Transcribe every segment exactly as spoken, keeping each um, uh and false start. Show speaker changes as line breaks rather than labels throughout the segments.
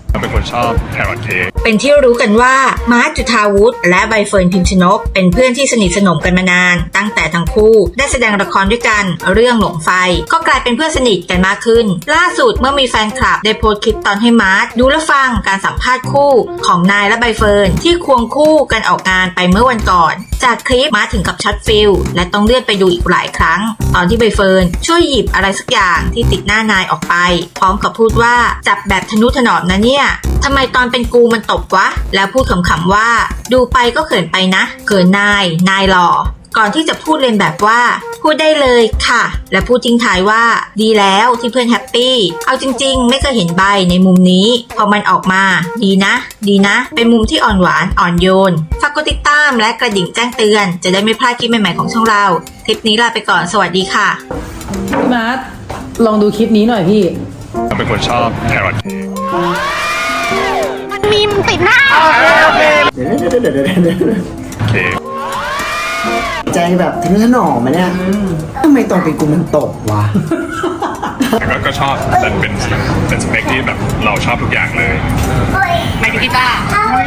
เป็นคนชอบแครอทเค้ก
เป็นที่รู้กันว่ามาร์ค จุฑาวุฒิและใบเฟิร์น พิมชนกเป็นเพื่อนที่สนิทสนมกันมานานตั้งแต่ทั้งคู่ได้แสดงละครด้วยกันเรื่องหลงไฟก็กลายเป็นเพื่อนสนิทกันมากขึ้นล่าสุดเมื่อมีแฟนคลับได้โพสต์คลิปตอนให้มาร์คดูและฟังการสัมภาษณ์คู่ของนายและใบเฟิร์นที่ควงคู่กันออกงานไปเมื่อวันก่อนจากคลิปมาร์คถึงกับช็อตฟิลและต้องเลื่อนไปดูอีกหลายครั้งตอนที่ใบเฟิร์นช่วยหยิบอะไรสักอย่างที่ติดหน้านายออกไปพร้อมกับพูดว่าจับแบบทนุถนอมนะเนี่ยทำไมตอนเป็นกูมันตบวะแล้วพูดขำๆว่าดูไปก็เขินไปนะเขินนายนายหล่อก่อนที่จะพูดเล่นแบบว่าพูดได้เลยค่ะและพูดทิ้งท้ายว่าดีแล้วที่เพื่อนแฮปปี้เอาจริงๆไม่เคยเห็นใบในมุมนี้พอมันออกมาดีนะดีนะเป็นมุมที่อ่อนหวานอ่อนโยนฝากกดติดตามและกระดิ่งแจ้งเตือนจะได้ไม่พลาดคลิปใหม่ๆของช่องเราคลิปนี้ลาไปก่อนสวัสดีค่ะ
พี่มาร์คลองดูคลิปนี้หน่อยพี่
เป็นคนชอบแครอทเค้ก
มันมีมติดหน้า
เดี๋ยวเดี๋ยวเดี๋ยวเดี๋ยวเดี๋ยว
เค้ก
ใจแบบทะนุถนอมไหมเนี่ยทำไมตอนเป็นกูมันตกวะ
แล้วก็ชอบแต่เป็นเป็นสเปคที่แบบเราชอบทุกอย่างเลย
ไม่ถึงกีตาร์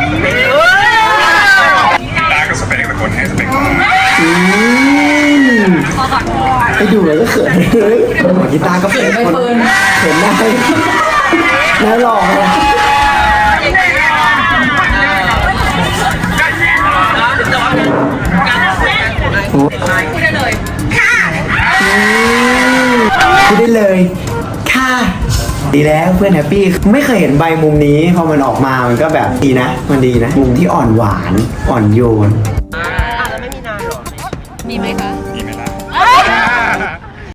กีตาร์ก็สเปคแต่คนให้สเปคมา
ไปดูเลยก็เขินเลยกีตาร์ก็เขินคนเขินได้น่าหล่อเลยพูดได้เลยค่ะพูดได้เลยค่ะดีแล้วเพื่อนแฮปปี้ไม่เคยเห็นใบมุมนี้พอมันออกมามันก็แบบดีนะมันดีนะมุมที่อ่อนหวานอ่อนโยน
อ่ะแล้วไม่มีนานหรอมีไหมคะ